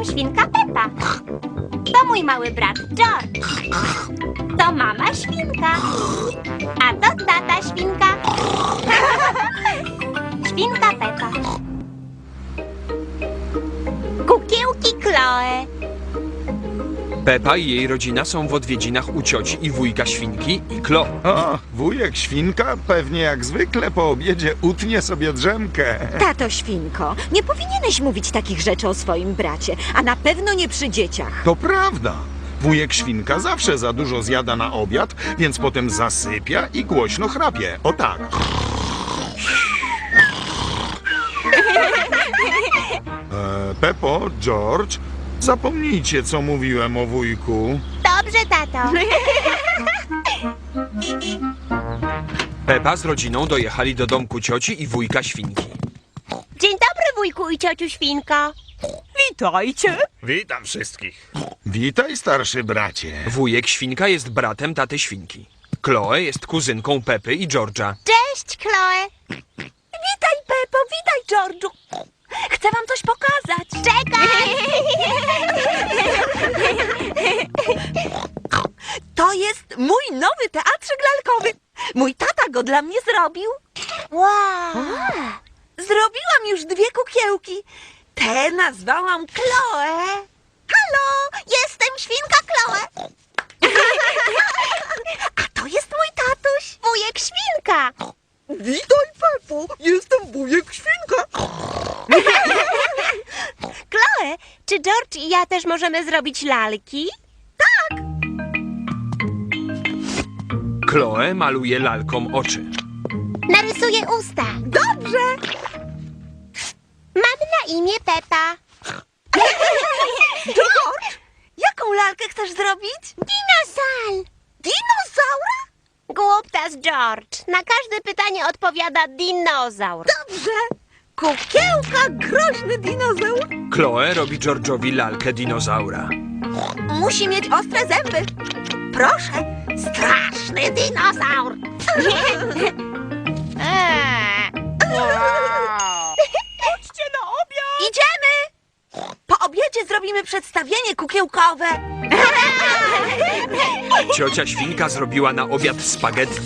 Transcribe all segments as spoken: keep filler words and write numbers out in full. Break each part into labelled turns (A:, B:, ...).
A: świnka Pepa. To mój mały brat George. To mama świnka. A to tata świnka. Świnka Pepa. Kukiełki Chloe.
B: Pepa i jej rodzina są w odwiedzinach u cioci i wujka świnki i Chloe.
C: O, wujek świnka pewnie jak zwykle po obiedzie utnie sobie drzemkę.
D: Tato świnko, nie powinieneś mówić takich rzeczy o swoim bracie, a na pewno nie przy dzieciach.
C: To prawda. Wujek świnka zawsze za dużo zjada na obiad, więc potem zasypia i głośno chrapie. O tak. E, Pepo, George, zapomnijcie, co mówiłem o wujku.
A: Dobrze, tato.
B: Pepa z rodziną dojechali do domku cioci i wujka świnki.
A: Dzień dobry, wujku i ciociu świnko.
E: Witajcie.
F: Witam wszystkich.
C: Witaj, starszy bracie.
B: Wujek świnka jest bratem taty świnki. Chloe jest kuzynką Pepy i George'a.
A: Cześć, Chloe.
E: Witaj, Pepo, witaj, George'u. Chcę wam coś pokazać.
A: Czekaj.
E: To jest mój nowy teatrzyk lalkowy. Mój tata go dla mnie zrobił.
A: Wow.
E: Zrobiłam już dwie kukiełki. Te nazwałam Chloe.
A: Halo, jestem świnka Chloe.
E: A to jest mój tatuś.
A: Wujek świnka.
E: Witaj, Pepo, jestem wujek świnka.
A: Chloe, czy George i ja też możemy zrobić lalki?
B: Chloe maluje lalkom oczy.
A: Narysuję usta.
E: Dobrze.
A: Mam na imię Pepa.
E: George, jaką lalkę chcesz zrobić?
A: Dinosaur.
E: Dinozaura?
A: Głuptas George. Na każde pytanie odpowiada dinozaur.
E: Dobrze. Kukiełka, groźny dinozaur.
B: Chloe robi George'owi lalkę dinozaura.
E: Musi mieć ostre zęby. Proszę.
A: Straszny dinozaur. Eee.
E: Chodźcie na obiad. Idziemy. Po obiedzie zrobimy przedstawienie kukiełkowe.
B: Ciocia świnka zrobiła na obiad spaghetti.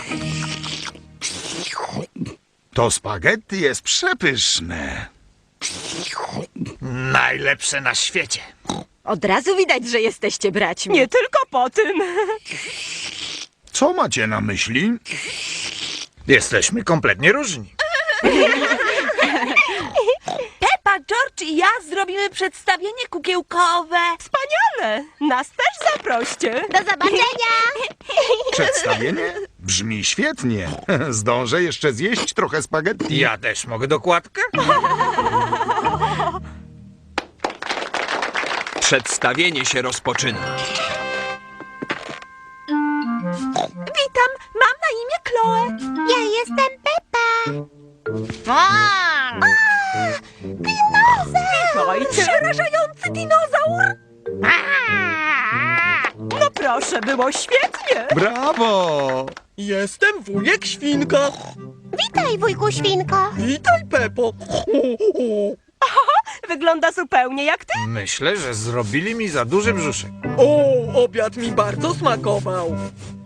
C: To spaghetti jest przepyszne.
F: Najlepsze na świecie.
D: Od razu widać, że jesteście braćmi.
E: Nie tylko po tym.
C: Co macie na myśli?
F: Jesteśmy kompletnie różni.
E: Pepa, George i ja zrobimy przedstawienie kukiełkowe. Wspaniale. Nas też zaproście.
A: Do zobaczenia.
C: Przedstawienie? Brzmi świetnie. Zdążę jeszcze zjeść trochę spaghetti.
F: Ja też mogę dokładkę?
B: Przedstawienie się rozpoczyna.
E: Witam, mam na imię Chloe.
A: Ja jestem Pepa. A, dinozaur.
E: Przerażający dinozaur. No proszę, było świetnie.
C: Brawo!
G: Jestem wujek świnka.
A: Witaj, wujku świnko.
G: Witaj, Pepo.
E: Wygląda zupełnie jak ty.
F: Myślę, że zrobili mi za duży brzuszek.
G: O, obiad mi bardzo smakował.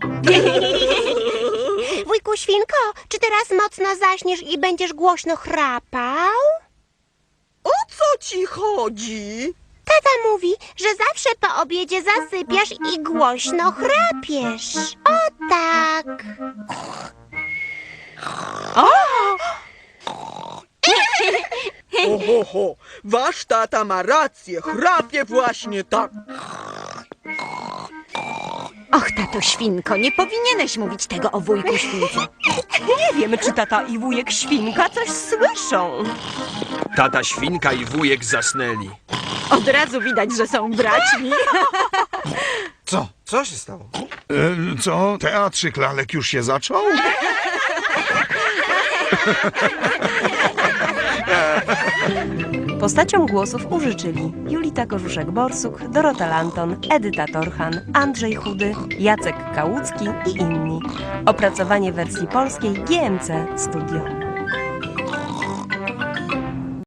A: Wujku świnko, czy teraz mocno zaśniesz i będziesz głośno chrapał?
G: O co ci chodzi?
A: Tata mówi, że zawsze po obiedzie zasypiasz i głośno chrapiesz. O tak.
G: Oho, wasz tata ma rację, chrapie właśnie tak.
D: Och, tato świnko, nie powinieneś mówić tego o wujku śwince.
E: Nie wiem, czy tata i wujek świnka coś słyszą.
B: Tata świnka i wujek zasnęli.
D: Od razu widać, że są braćmi.
F: Co? Co się stało?
C: E, co? Teatrzyk lalek już się zaczął?
H: Postaciom głosów użyczyli Julita Korzuszek-Borsuk, Dorota Lanton, Edyta Torchan, Andrzej Chudy, Jacek Kałucki i inni. Opracowanie wersji polskiej G M C Studio.